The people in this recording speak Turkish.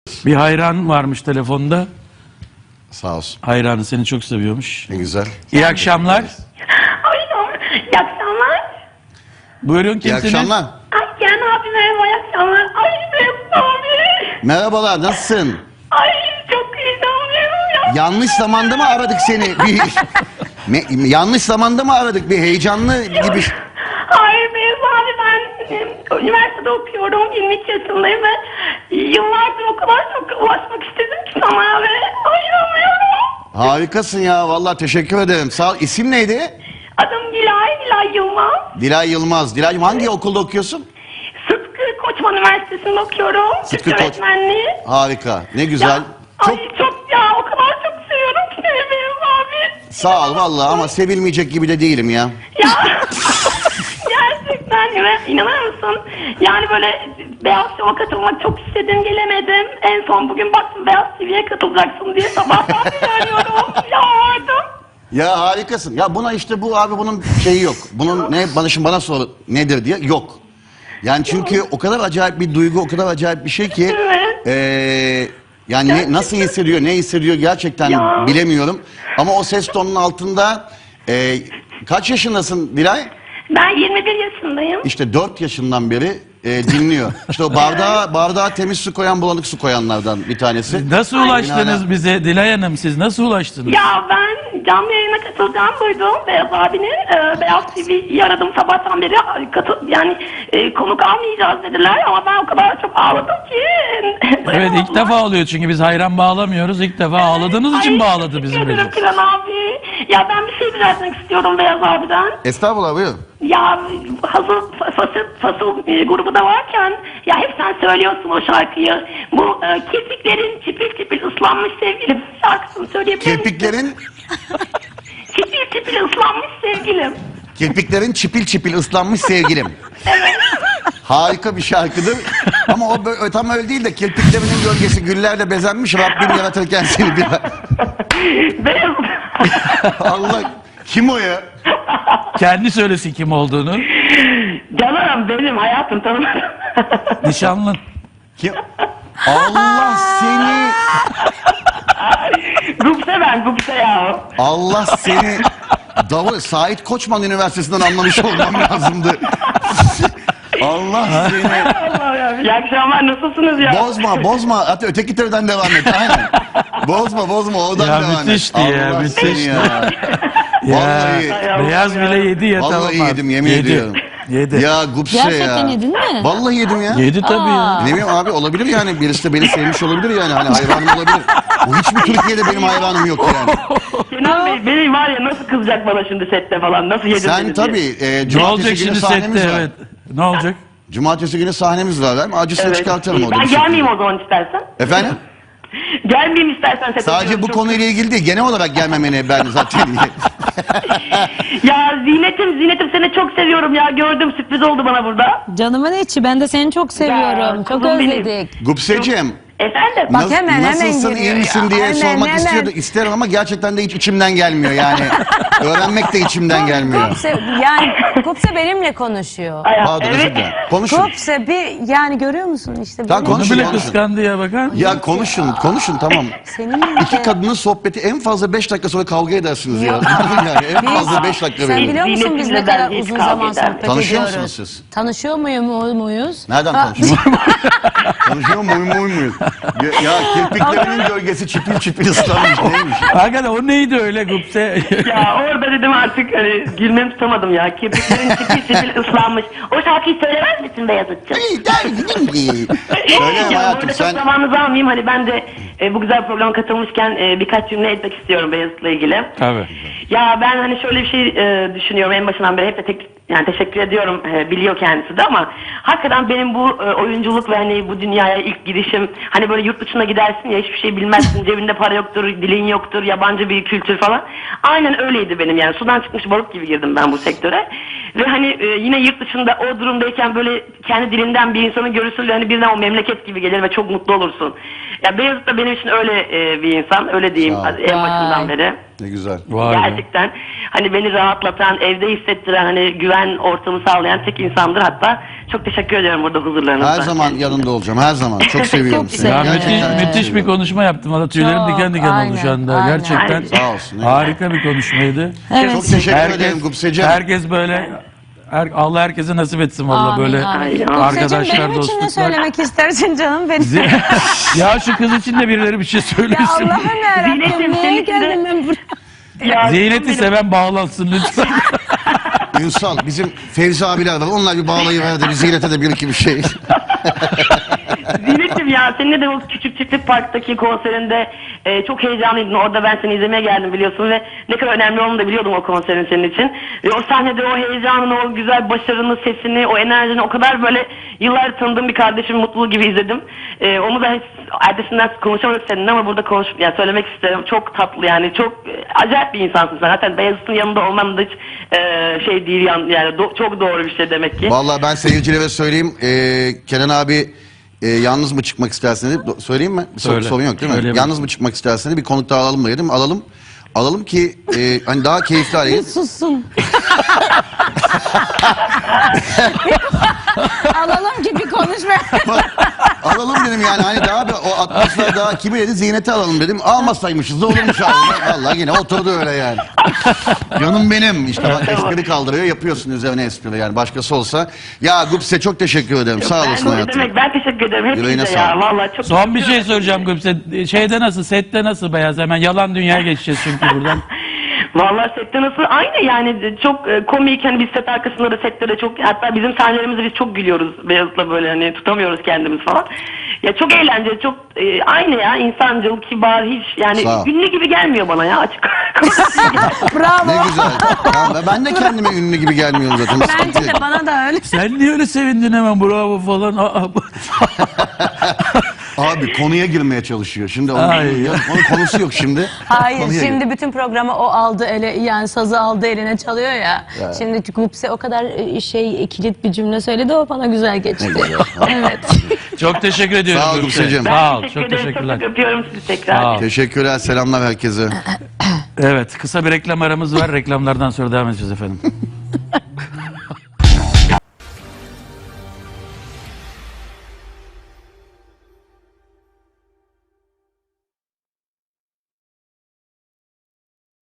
Bir hayran varmış telefonda. Sağ olsun. Hayranı seni çok seviyormuş. Ne güzel. İyi akşamlar. Alo, iyi akşamlar. Buyurun İyi kimsiniz? akşamlar. Ay Kenan abi merhaba, iyi akşamlar. Ay Mesut abi. Merhabalar, nasılsın? Ay çok heyecanlıyım ya. Yanlış zamanda mı aradık seni? Yanlış zamanda mı aradık? Bir heyecanlı gibi. Hayır Mesut abi, ben üniversitede okuyorum. 23 yaşındayım ve yıllardır o kadar çok ulaşmak istedim ki sana ve ayıramıyorum. Harikasın ya, vallahi teşekkür ederim. Sağ ol. İsim neydi? Adım Dilay Yılmaz. Dilay Yılmaz. Dilay'cığım hangi okulda okuyorsun? Sıtkı Koçman Üniversitesi'nde okuyorum. Sıtkı Türk Koç- öğretmenliği. Harika, ne güzel. Ya, Çok ay çok ya, o kadar çok seviyorum ki seni Mesut abi. sağ ol vallahi ama sevilmeyecek gibi de değilim ya. Ya gerçekten inanır mısın? Yani böyle Beyaz Show'a katılmak çok istedim, gelemedim. En son bugün baktım Beyaz TV'ye katılacaksın diye sabahtan beri arıyorum. Yalvardım. Ya harikasın. Ya buna işte bu abi bunun şeyi yok. Bunun ne bana sor nedir diye yok. Yani çünkü o kadar acayip bir duygu, o kadar acayip bir şey ki Evet. yani nasıl hissediyor, ne hissediyor gerçekten Ya. bilemiyorum. Ama o ses tonunun altında kaç yaşındasın Dilay? Ben 21 yaşındayım. İşte 4 yaşından beri dinliyor. İşte o bardağa temiz su koyan, bulanık su koyanlardan bir tanesi. Nasıl Ay, ulaştınız bize Dilay Hanım, siz nasıl ulaştınız? Ya ben canlı yayına katılacağımı duydum Beyaz abinin. Beyaz TV'yi aradım sabahtan beri. Konuk almayacağız dediler ama ben o kadar çok ağladım ki. Evet, ilk defa oluyor çünkü biz hayran bağlamıyoruz. İlk defa ağladığınız için bağladı bizim Teşekkür ederim Recep. Kiran abi. Ya ben bir şey rica etmek istiyorum Beyaz abiden. Estağfurullah buyur. Ya hazır fasıl grubu da varken ya hep sen söylüyorsun o şarkıyı. Bu kirpiklerin çipil çipil ıslanmış sevgilim şarkısını söyleyebilir misin? Kirpiklerin Çipil çipil ıslanmış sevgilim. Kirpiklerin çipil çipil ıslanmış sevgilim. Evet. Harika bir şarkıdır. Ama o tam öyle değil de kirpiklerinin gölgesi güllerle bezenmiş Rabbim yaratırken seni bir... Beyaz. Allah kim o ya? Kendi söylesin kim olduğunu. Canım benim hayatım tanımadım. Nişanlın. Kim? Allah seni Gupse ya. Allah seni Sait Koçman Üniversitesi'nden anlamış olmam lazımdı. Allah seni Allah ya. İyi akşamlar, nasılsınız ya? bozma hatta öteki türden devam et aynen. Bozma oradan Ya devam et. müthişti ya, Allah müthişti. seni ya. Ya, Vallahi beyaz bile yedi ya, Vallahi tamam abi. yedim, yemin Yedi. ediyorum. Yedi. Ya Gupse ya. Gerçekten yedin mi? Vallahi yedim ya. Yedi tabii ya. Ne bileyim abi olabilir yani birisi de beni sevmiş olabilir yani hani hayranım olabilir. Bu hiçbir Türkiye'de benim hayranım yok yani. Kenan Bey benim var ya, nasıl kızacak bana şimdi sette falan, nasıl yedin Sen beni tabii diye. Ne olacak cumartesi günü şimdi sahnemiz sette, var. evet. Ne olacak? Cumartesi günü sahnemiz var. Ben acısını Evet. çıkartırım orada. Ben bir şekilde. gelmeyeyim o zaman istersen. Efendim? Gelmeyeyim istersen sete. Sadece diyorum, bu çok- konuyla ilgili değil. Genel olarak gelmemeni ben zaten... Ya Zinet'im seni çok seviyorum ya, gördüm, sürpriz oldu bana burada. Canımın içi, ben de seni çok seviyorum. Ya, Çok kuzum benim. özledik. Gupseciğim. Efendim? Bak hemen nasılsın, giriyor iyi misin ya. diye Hemen, sormak hemen. isterim ama gerçekten de hiç içimden gelmiyor yani. Öğrenmek de içimden gelmiyor. Kupse benimle konuşuyor. Pardon özür Evet. dilerim. Konuşun. Kupse bir yani görüyor musun işte Tamam, benim- Onu konuşun, bile konuşun. kıskandı ya, bakar mısın? Ya konuşun tamam. Seninle İki kadının sohbeti en fazla 5 dakika sonra kavga edersiniz ya. yani en fazla 5 dakika Sen verin. biliyor musun biz ne Zinetimle kadar ben hiç uzun kavga zaman ederim. sohbet Tanışıyor ediyoruz? musunuz siz? Tanışıyor muyuz? Nereden Ha, tanışıyorsunuz? Konuşuyor muyuz? Ya kirpiklerinin gölgesi çipil çipil ıslanmış neymiş? Hakikaten o neydi öyle Gupse? Ya orada dedim artık hani gülmemi tutamadım ya. Kirpiklerin çipil ıslanmış. O şarkıyı söylemez misin Beyazıt'cığım? Söyle Ya hayatım burada sen... çok zamanınızı almayayım. Hani ben de bu güzel programa katılmışken birkaç cümle etmek istiyorum Beyazıt'la ilgili. Tabii. Ya ben hani şöyle bir şey düşünüyorum en başından beri, hep de yani teşekkür ediyorum, biliyor kendisi de, ama hakikaten benim bu oyunculuk ve hani bu dünyaya ilk girişim, hani böyle yurt dışına gidersin ya, hiçbir şey bilmezsin, cebinde para yoktur, dilin yoktur, yabancı bir kültür falan. Aynen öyleydi benim, yani sudan çıkmış balık gibi girdim ben bu sektöre. Ve hani yine yurt dışında o durumdayken böyle kendi dilinden bir insanı görürsün ve hani birden o memleket gibi gelir ve çok mutlu olursun. Ya Beyazıt da benim için öyle bir insan. Öyle diyeyim Sağ ol. en başından beri. Ne güzel. Vay be. Gerçekten hani beni rahatlatan, evde hissettiren, hani güven ortamı sağlayan tek insandır. Hatta çok teşekkür ediyorum burada huzurlarınızda. Her zaman yanında olacağım. Her zaman. Çok seviyorum Çok seni. Ya güzel. Gerçekten çok müthiş bir seviyorum. konuşma yaptım. Valla tüylerim Çok, diken diken oldu şu anda. aynen, Gerçekten aynen. Sağ olsun. harika bir konuşmaydı. Evet. Çok teşekkür ederim Gupseciğim. Herkes böyle Allah herkese nasip etsin valla Amin, böyle amin. Ay, arkadaşlar, Gupseciğim, benim için ne dostluklar. söylemek istersin canım benim? Ya şu kız için de birileri bir şey Ya söylesin. Allah'ım Zeynep'im, yarabbim niye senin için de- geldim ben buraya? Ya, Zeynep'i benim- seven bağlansın lütfen. Ünsal, bizim Fevzi abiler var. Onlar bir bağlayıverdi. Bir Ziynet'e de bir iki bir şey. Zinet'im ya, seninle de o küçük çiftlik parktaki konserinde çok heyecanlıydın. Orada ben seni izlemeye geldim biliyorsun ve ne kadar önemli olduğunu da biliyordum o konserin senin için. Ve o sahnede o heyecanını, o güzel başarını, sesini, o enerjini o kadar böyle yıllar tanıdığım bir kardeşim mutluluğu gibi izledim. Onu da hiç ertesinden konuşamadık seninle ama burada yani söylemek isterim. Çok tatlı yani, çok acayip bir insansın sen. Zaten Beyazıt'ın yanında olman da hiç şey değil yani çok doğru bir şey demek ki. Vallahi ben seyircilere söyleyeyim. Kenan abi yalnız mı çıkmak istersin dedi. Söyleyeyim mi? Söyle. Sorun yok değil mi? Söyle. Yalnız mı çıkmak istersin dedi. Bir konuk daha alalım mı dedim. Alalım. Alalım ki hani daha keyifli hale gelir. Sussun. Alalım ki bir konuşma. Alalım dedim yani hani daha bir o atmosfer daha kimi dedi Ziynet'i alalım dedim. Almasaymışız da olurmuş abi. Vallahi yine oturdu öyle yani. Canım benim. İşte bak espri kaldırıyor yapıyorsun üzerine espri yani başkası olsa. Ya Gupse çok teşekkür ederim. Sağ olasın Ne hayatım. demek, ben teşekkür ederim Yüreğine hepinize ya. sağlık. Vallahi çok Son bir şey söyleyeceğim Gülse. Şeyde nasıl, sette nasıl Beyaz? Hemen yalan dünyaya geçeceğiz çünkü buradan. Vallahi sette nasıl? Aynı yani çok komik, hani biz set arkasında da sette de çok, hatta bizim sahnelerimizde biz çok gülüyoruz Beyazıt'la, böyle hani tutamıyoruz kendimiz falan. Ya çok eğlenceli, çok aynı ya, insancıl, kibar, hiç yani Sağ ol. ünlü gibi gelmiyor bana ya açık. Bravo. Ne güzel. Tamam, ben de kendime ünlü gibi gelmiyorum zaten. Bence de bana da öyle. Sen niye öyle sevindin hemen bravo falan? Abi konuya girmeye çalışıyor. Şimdi onun, Ay. onun konusu yok şimdi. Hayır Konuya şimdi gir. bütün programı o aldı ele, yani sazı aldı eline çalıyor ya. Şimdi Gupse o kadar kilit bir cümle söyledi, o bana güzel geçti. Ne güzel. Evet. Çok teşekkür ediyorum. Sağ ol Gülse. Gülseciğim. Sağ ol. Teşekkür Çok ederim, teşekkürler. Çok öpüyorum sizi tekrar. Sağ ol. Teşekkürler. Selamlar herkese. Evet, kısa bir reklam aramız var. Reklamlardan sonra devam edeceğiz efendim.